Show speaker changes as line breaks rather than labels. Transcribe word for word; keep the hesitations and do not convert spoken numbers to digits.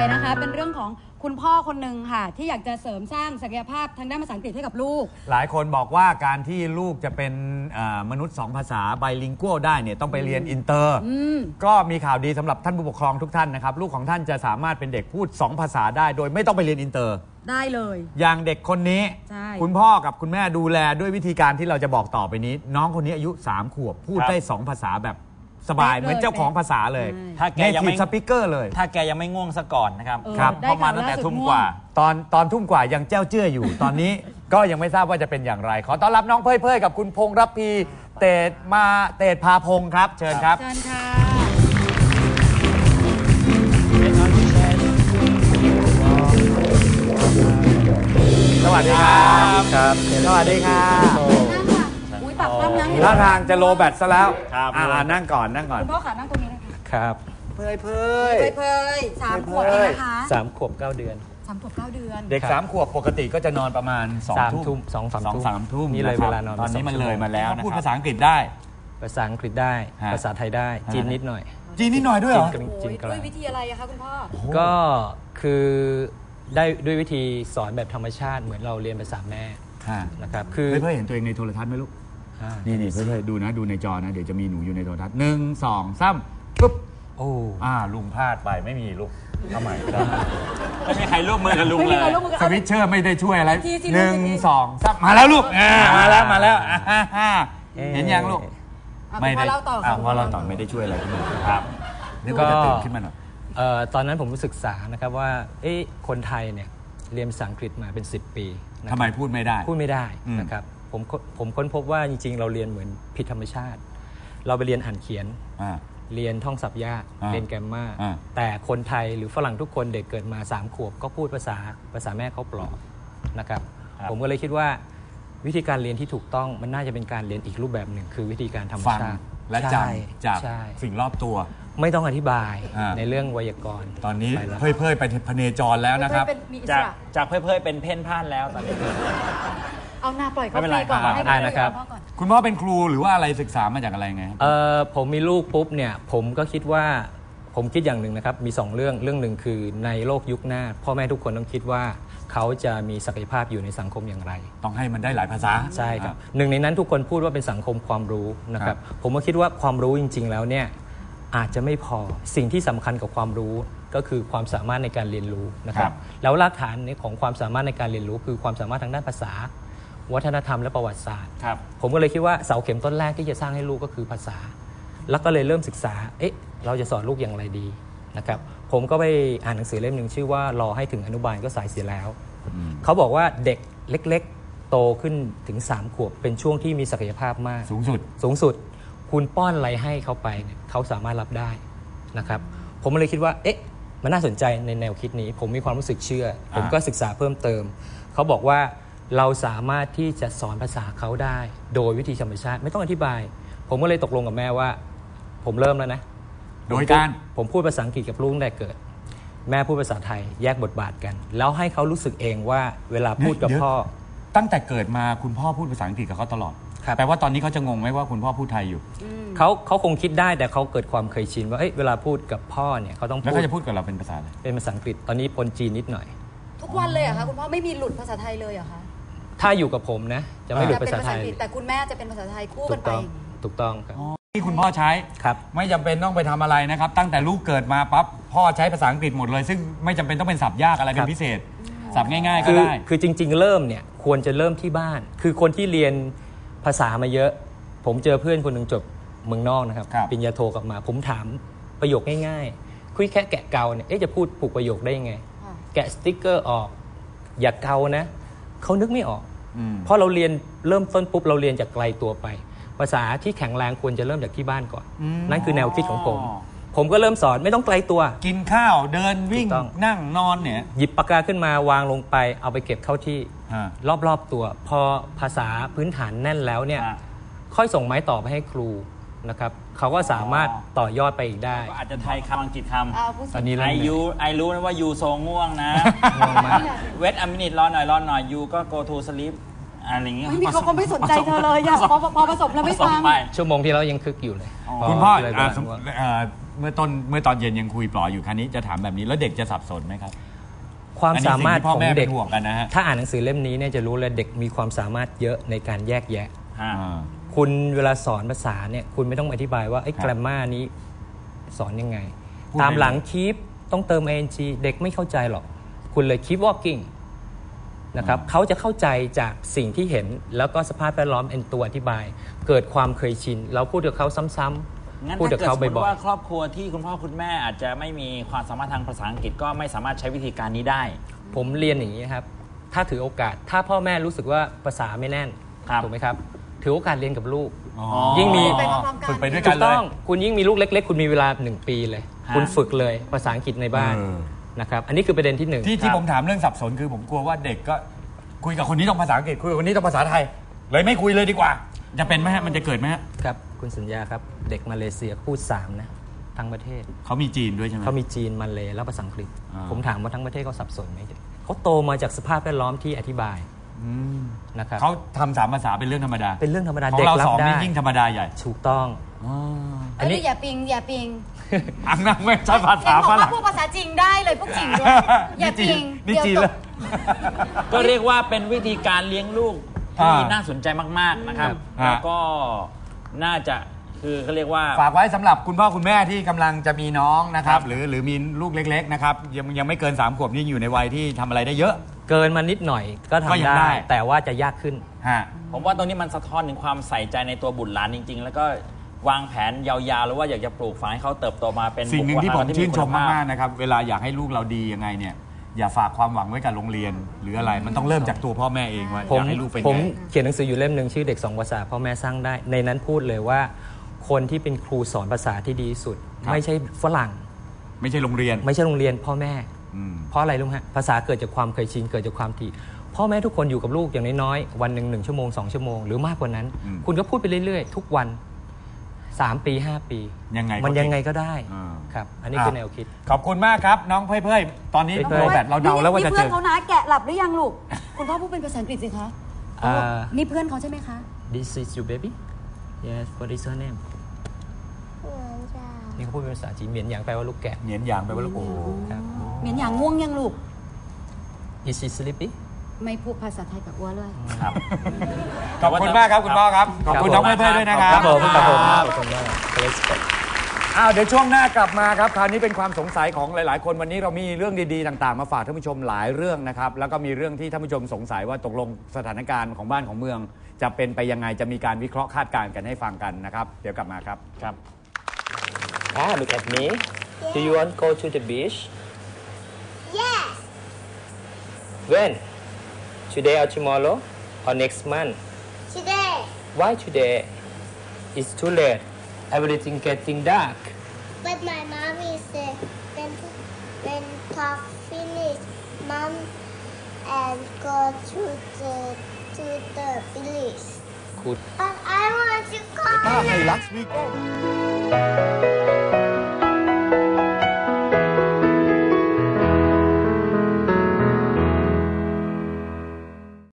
นะคะเป็นเรื่องของคุณพ่อคนหนึ่งค่ะที่อยากจะเสริมสร้างศักยภาพทางด้านภาษาอังกฤษให้กับลูก
หลายคนบอกว่าการที่ลูกจะเป็นมนุษย์สองภาษาไบลิงกัวได้เนี่ยต้องไปเรียนอินเตอร์ก็มีข่าวดีสำหรับท่านผู้ปกครองทุกท่านนะครับลูกของท่านจะสามารถเป็นเด็กพูดสองภาษาได้โดยไม่ต้องไปเรียนอินเตอร์
ได้เลย
อย่างเด็กคนนี้คุณพ่อกับคุณแม่ดูแลด้วยวิธีการที่เราจะบอกต่อไปนี้น้องคนนี้อายุสามขวบพูดได้สองภาษาแบบสบายเหมือนเจ้าของภาษาเลย
ถ้าแกยังไม่
สปิเกอร์เลย
ถ้าแกยังไม่ง่วงซะก่อนนะครับ
ครับ
เพราะมาตั้งแต่ทุ่มกว่า
ตอนตอนทุ่มกว่ายังเจ้าเจ้ออยู่ ตอนนี้ก็ยังไม่ทราบว่าจะเป็นอย่างไรขอต้อนรับน้องเพ่ยเพ่ยกับคุณพงษ์รับพีเตดมาเตดพาพงษ์ครับเชิญครับ
เชิญค่ะ
สวัสดีครับครับสวัสดีครับ
อุ้ยปากคว่ำยัง
ท่าทางจะโลแบตซะแล้วอ่านั่งก่อนนั่งก่อน
คุณพ่อขานั่งตรงนี้นะคะ
ครับ
เพ่ยเพ่ย
เพ่ยสามขวบเองนะคะ
สามขวบเก้าเดือน
สามขวบเก้าเดือน
เด็กสามขวบปกติก็จะนอนประมาณสองทุ่ม
สองสาม
สองสามทุ่ม
นี่เลยเวลานอน
ตอนนี้มันเลยมาแล้วพูดภาษาอังกฤษได้
ภาษาอังกฤษได้ภาษาไทยได้จีนนิดหน่อย
จีนนิดหน่อยด้วยเหรอ
จีนด้วยวิธีอะไรอะคะคุณพ่อ
ก็คือได้ด้วยวิธีสอนแบบธรรมชาติเหมือนเราเรียนภาษาแม่นะครับ
คือเพื่อเห็นตัวเองในโทรทัศน์ไหมลูกนี่นี่เพื่อดูนะดูในจอนะเดี๋ยวจะมีหนูอยู่ในโทรทัศน์หนึ่งสองสามปุ๊บโอ้อ่าลุงพลาดไปไม่มีลูกทำไม
ไม่มีใครร่วมมือกับลุงเลย
สวิตเชอร์ไม่ได้ช่วยอะไรหนึ่งสองสามมาแล้วลูกมาแล้วมาแล้วเห็นยังลูก
ไม่ได้
พอเราต่อไม่ได้ช่วยอะไรคุณลุงครับนึกว่าจะตื่นขึ้นมาหน่อย
ตอนนั้นผมศึกษานะครับว่าคนไทยเนี่ยเรียนภาษาอังกฤษมาเป็นสิบปี
ทำไมพูดไม่ได้
พูดไม่ได้นะครับผมผมค้นพบว่าจริงๆเราเรียนเหมือนผิดธรรมชาติเราไปเรียนอ่านเขียนเรียนท่องศัพท์ยากเรียนแกรมมาแต่คนไทยหรือฝรั่งทุกคนเด็กเกิดมาสามขวบก็พูดภาษาภาษาแม่เขาปลอบนะครับผมก็เลยคิดว่าวิธีการเรียนที่ถูกต้องมันน่าจะเป็นการเรียนอีกรูปแบบหนึ่งคือวิธีการธรรมชาติ
และจำจากสิ่งรอบตัว
ไม่ต้องอธิบายในเรื่องไวยากรณ์
ตอนนี้เพ่ยเพ่ยไปพเนจรแล้วนะครับ
จากจากเพ่ยเพ่ยเป็นเพ่นพ่านแล้วตอนนี้
เอาหน้าปล่อยเขาไปก่อนให้
ได้นะครับ
คุณพ่อเป็นครูหรือว่าอะไรศึกษามาจากอะไรไง
เออผมมีลูกปุ๊บเนี่ยผมก็คิดว่าผมคิดอย่างหนึ่งนะครับมีสองเรื่องเรื่องหนึ่งคือในโลกยุคหน้าพ่อแม่ทุกคนต้องคิดว่าเขาจะมีศักยภาพอยู่ในสังคมอย่างไร
ต้องให้มันได้หลายภาษา
ใช่ครับหนึ่งในนั้นทุกคนพูดว่าเป็นสังคมความรู้นะครับผมก็คิดว่าความรู้จริงๆแล้วเนี่ยอาจจะไม่พอสิ่งที่สำคัญกับความรู้ก็คือความสามารถในการเรียนรู้นะครับแล้วรากฐานของความสามารถในการเรียนรู้คือความสามารถทางด้านภาษาวัฒนธรรมและประวัติศาสตร์ผมก็เลยคิดว่าเสาเข็มต้นแรกที่จะสร้างให้ลูกก็คือภาษาแล้วก็เลยเริ่มศึกษาเอ๊ะเราจะสอนลูกอย่างไรดีนะครับผมก็ไปอ่านหนังสือเล่มหนึ่งชื่อว่ารอให้ถึงอนุบาลก็สายเสียแล้วเขาบอกว่าเด็กเล็กๆโตขึ้นถึงสามขวบเป็นช่วงที่มีศักยภาพมาก
สูงสุด
สูงสุดคุณป้อนอะไรให้เขาไปเนี่ยเขาสามารถรับได้นะครับผมเลยคิดว่าเอ๊ะมันน่าสนใจในแนวคิดนี้ผมมีความรู้สึกเชื่อผมก็ศึกษาเพิ่มเติมเขาบอกว่าเราสามารถที่จะสอนภาษาเขาได้โดยวิธีธรรมชาติไม่ต้องอธิบายผมก็เลยตกลงกับแม่ว่าผมเริ่มแล้วนะ
โดยการ
ผมพูดภาษาอังกฤษกับลูกตั้งแต่เกิดแม่พูดภาษาไทยแยกบทบาทกันแล้วให้เขารู้สึกเองว่าเวลาพูดกับพ่อ
ตั้งแต่เกิดมาคุณพ่อพูดภาษาอังกฤษกับเขาตลอดแปลว่าตอนนี้เขาจะงงไหมว่าคุณพ่อพูดไทยอยู่
เขาเขาคงคิดได้แต่เขาเกิดความเคยชินว่าเอ้ยเวลาพูดกับพ่อเนี่ยเขาต้อง
แล้วเขาจะพูดกับเราเป็นภาษาอะไร
เป็นภาษาอังกฤษตอนนี้ปนจีนนิดหน่อย
ทุกวันเลยเหรอคะคุณพ่อไม่มีหลุดภาษาไทยเลยเหรอคะ
ถ้าอยู่กับผมนะจะไม่หลุดภาษาไทย
แต่คุณแม่จะเป็นภาษาไทยคู่กันไป
ถูกต้องครับ
ที่คุณพ่อใช้
ครับ
ไม่จำเป็นต้องไปทำอะไรนะครับตั้งแต่ลูกเกิดมาปั๊บพ่อใช้ภาษาอังกฤษหมดเลยซึ่งไม่จำเป็นต้องเป็นศัพท์ยากอะไรเป็นพิเศษศัพท์ง่ายๆก็ได้
คือจริงๆเริ่มเนี่ยควรจะเริ่มที่บ้านคือคนที่เรียนภาษามาเยอะผมเจอเพื่อนคนหนึ่งจบเมืองนอกนะครับปริญญาโทกลับมาผมถามประโยคง่ายๆคุยแค่แกะเกาเนี่ยจะพูดผูกประโยคได้ยังไงแกะสติ๊กเกอร์ออกอย่าเกานะเขานึกไม่ออกเพราะเราเรียนเริ่มต้นปุ๊บเราเรียนจากไกลตัวไปภาษาที่แข็งแรงควรจะเริ่มจากที่บ้านก่อนนั่นคือแนวคิดของผมผมก็เริ่มสอนไม่ต้องไกลตัว
กินข้าวเดินวิ่งนั่งนอนเนี่ย
หยิบปากกาขึ้นมาวางลงไปเอาไปเก็บเข้าที่รอบๆตัวพอภาษาพื้นฐานแน่นแล้วเนี่ยค่อยส่งไม้ต่อไปให้ครูนะครับเขาก็สามารถต่อยอดไปอีกได้
อาจจะไทยคำอังกฤษค
ำตอนนี้
ไอยูไอรู้นะว่ายูโซง่วงนะเวทอมินิตรอหน่อยรอหน่อยยูก็ go to sleep อะไรอย่างเงี้ย
ไม่มีเขาเขาไม่สนใจเธอเลยอะพอพอผสมแล้วไม่ฟัง
ไป
ชั่วโมงที่แล้วยังคึกอยู่เลย
คุณพ่อ
เลย
อ่า
บอก
สม
ว่า
เอ่อเมื่อต้นเมื่อตอนเย็นยังคุยปลออยู่ครั้นี้จะถามแบบนี้แล้วเด็กจะสับสนไหมครับ
ความสามารถ
อันนี้สิ่งที่พ่อ
ของ
แม่
เด็ก
เป็นห่วงกันนะฮะ
ถ้าอ่านหนังสือเล่มนี้เนี่ยจะรู้เลยเด็กมีความสามารถเยอะในการแยกแยะ
ฮะ
อ่า
คุณเวลาสอนภาษาเนี่ยคุณไม่ต้องอธิบายว่าไอ้
ครับ
แกรมมานี้สอนยังไง
พูด
ตามหลัง
ได้เลย
keep ต้องเติม ing เด็กไม่เข้าใจหรอก คุณเลย keep walking นะครับเขาจะเข้าใจจากสิ่งที่เห็นแล้วก็สภาพแวดล้อมเป็นตัวอธิบาย เกิดความเคยชิน เราพูดกับเขาซ้ำ
งั้น
ๆพูด
ถ้า
กับ
เกิด
เขา
สมมติ
บ่อย
ว่าครอบครัวที่คุณพ่อคุณแม่อาจจะไม่มีความสามารถทางภาษาอังกฤษก็ไม่สามารถใช้วิธีการนี้ได้
ๆผมเรียนอย่างนี้ครับถ้าถือโอกาสถ้าพ่อแม่รู้สึกว่าภาษาไม่แน่น
ครับ
ถูกไหมครับถือโอกาสเรียนกับลูก
อ๋อ
ยิ่งมี
ไปพร้อมๆกัน
ฝึกไปด้วย
ถู
กัน
ก
เล
ต้
ย
องคุณยิ่งมีลูกเล็ก ๆ คุณมีเวลาหนึ่งปีเลย
ฮะ
คุณฝึกเลยภาษาอังกฤษในบ้าน
เออ
นะครับอันนี้คือประเด็นที่หนึ่ง
ที่ที่ผมถามเรื่องสับสนคือผมกลัวว่าเด็กก็คุยกับคนนี้ต้องภาษาอังกฤษคุยกับคนนี้ต้องภาษาไทย เลยไม่คุยเลยดีกว่า จะเป็นไหมฮะมันจะเกิดไหมฮะ
ครับคุณสัญญาครับเด็กมาเลเซียพูดสามนะทั้งประเทศ
เขามีจีนด้วยใช่ไหม
เขามีจีนมาเลและภาษาอังกฤษ
อ่า
ผมถามว่าทั้งประเทศเขาสับสนไหมเขาโตมาจากสภาพแวดล้อมที่อธิบาย
อืม
นะครับ
เขาทำสามภาษาเป็นเรื่องธรรมดา
เป็นเรื่องธรรมดา
ของ
เด็ก
เรา
รั
ส
บ
อง
ได้
นี่ยิ่งธรรมดาใหญ่
ถูกต้อง
อ๋อ
อันนี้
เอ้ยอย่าปิงอย่าปิง
อังนั่งไม่ใช่ภา
เห็
ษาน
บอก
ฝ
ว่า
รั่ง
พูดภาษาจริงได้เลยพวกจริงด้วยอย่าปิง
นี่จีน
เดี๋ยว
เลย
ก็เรียกว่าเป็นวิธีการเลี้ยงลูกที่
อ่า
น่าสนใจมากๆนะครับ
ครับ
แล้วก็น่าจะคือเขาเรียกว่า
ฝากไว้สำหรับคุณพ่อคุณแม่ที่กำลังจะมีน้องนะครับหรือหรือมีลูกเล็กๆนะครับยังยังไม่เกินสามขวบนี่อยู่ในวัยที่ทำอะไรได้เยอะ
เกินมานิดหน่อยก็
ก็ยั
ทำ
งได้
ได้ แต่ว่าจะยากขึ้น
ฮะ
ผมว่าตรงนี้มันสะท้อนถึงความใส่ใจในตัวบุตรหลานจริง ๆ แล้วก็วางแผนยาวๆหรือว่าอยากจะปลูกฝังให้เขาเติบโตมาเป็น
สิ่งหนึ่งที่ผม
บุคลากร
ชื่นชม
คุณภพ
มากๆนะครับเวลาอยากให้ลูกเราดียังไงเนี่ยอย่าฝากความหวังไว้กับโรงเรียน หรืออะไรมันต้องเริ่มจากตัวพ่อแม่เองว่า
ผ
อ
ม
ยากให้ลูกเป็น
ผม
ไง
เขียนหนังสืออยู่เล่มหนึ่งชื่อเด็กสองภาษาพ่อแม่สร้างได้ ในนั้นพูดเลยว่า คนที่เป็นครูสอนภาษาที่ดีที่สุด
ครับ
ไม่ใช่ฝรั่ง
ไม่ใช่โรงเรียน
ไม่ใช่โรงเรียนพ่อแม่
อืม
เพราะอะไรรู้ไหมฮะภาษาเกิดจากความเคยชินเกิดจากความถี่พ่อแม่ทุกคนอยู่กับลูกอย่างน้อยๆวันหนึ่งหนึ่งชั่วโมงสองชั่วโมงหรือมากกว่านั้น
อืม
คุณก็พูดไปเรื่อยๆ ทุกวันสามปีห้าปี
ยังไงก็
มันยังไง
เก่ง
ก็ได้
อ่า
ครับอันนี้คือแนวคิด
ขอบคุณมากครับน้องเพ่ยเพ่ยตอนนี้
เพ่ยเพ่ย
โรแบตเราเดาแล้วว่าจะ
นี่
เจ
เพื่อน
อ
เขานะแกะหลับหรือยังลูก คุณพ่อพูดเป็นภาษาอังกฤษสิคะ
อ่า
นี่เพื่อนเขาใช่ไหมคะ
This is your baby Yes what is her name นี่เขาพูดเป็นภาษาจีนเหมียนหยางแปลว่าลูกแกะ
เหนียนหยางไปว่าลูกโอ้โห
ครับ
เหมียนอย่างง่วงยังลูก
Is she sleepy
ไม่พูดภาษาไทยกับอ้วนเลย
ครับ
ขอบคุณมากครับคุณพ่อครับขอบคุณน้องเพ่ยเพ่ยด้วยนะครับ
ครับผมครับผม
ครับ
ขอบคุณมาก Respect
อ้าวเดี๋ยวช่วงหน้ากลับมาครับคราวนี้เป็นความสงสัยของหลาย ๆ คนวันนี้เรามีเรื่องดีๆต่างๆ มาฝากท่านผู้ชมหลายเรื่องนะครับแล้วก็มีเรื่องที่ท่านผู้ชมสงสัยว่าตกลงสถานการณ์ของบ้านของเมือง จะเป็นไปยังไงจะมีการวิเคราะห์คาดการณ์กันให้ฟังกันนะครับเดี๋ยวกลับมาครับ
ครับ
Ah look at me Do you want to go to the beach
Yes.
When Today or tomorrow or next month
Today.
Why today It's too late Everything getting dark
But my mommy said when when talk finish, mom and go to the to the village.
Good
But I want to go.
ไฮลักซ์วีโก้